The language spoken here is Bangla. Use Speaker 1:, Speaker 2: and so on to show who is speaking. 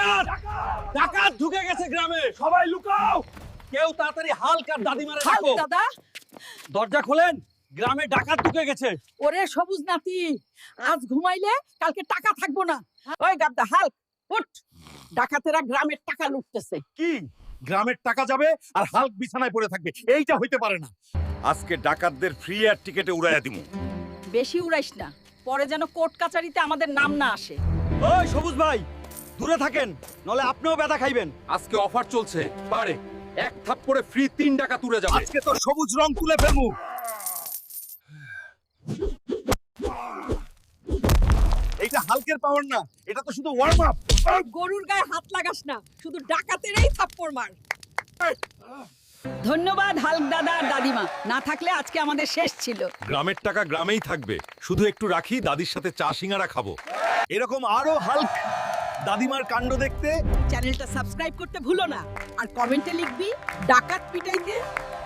Speaker 1: ডাকাত ডাকাত ঢুকে গেছে গ্রামে, সবাই লুকাও। কেউ তাড়াতাড়ি হাল্ক আর দাদিমারে
Speaker 2: হাল্ক
Speaker 1: ডাকো।
Speaker 2: দাদা,
Speaker 1: দরজা খোলেন, গ্রামে ডাকাত ঢুকে গেছে।
Speaker 2: ওরে সবুজ নাতি, আজ ঘুমাইলে কালকে টাকা থাকবো না। ওই গাদ্দা হাল্ক, উঠ। ডাকাতেরা গ্রামের টাকা লুটতেছে।
Speaker 1: কি গ্রামের টাকা যাবে আর হাল্ক বিছানায় পড়ে থাকবে? এইটা হইতে পারে না। আজকে ডাকাতদের ফ্রি এয়ার টিকেটে উড়াইয়া দিমু।
Speaker 2: বেশি উড়াইস না, পরে যেন কোর্ট কাচারিতে আমাদের নাম না আসে।
Speaker 1: ওই সবুজ ভাই, দূরে থাকেন, নলে আপনিও ব্যথা খাইবেন।
Speaker 3: আজকে অফার চলছে, পারে এক থাপ্পড়ে ফ্রি 3 টাকা তুলে যাবে।
Speaker 1: আজকে তো সবুজ রং তুলে ফেলমু। এইটা হালকের পাওয়ার না, এটা তো শুধু ওয়ার্ম আপ।
Speaker 2: গরুর গায়ে হাত লাগাস না, শুধু ডাকাতেরই থাপ্পড় মার। ধন্যবাদ হাল্ক দাদা আর দাদিমা, না থাকলে আজকে আমাদের শেষ ছিল।
Speaker 3: গ্রামের টাকা গ্রামেই থাকবে, শুধু একটু রাখি, দাদির সাথে চা সিঙ্গারা খাবো।
Speaker 1: এরকম আরো হাল্ক দাদিমার কাণ্ড দেখতে
Speaker 2: চ্যানেলটা সাবস্ক্রাইব করতে ভুলো না, আর কমেন্টে লিখবি ডাকাত পিটাইতে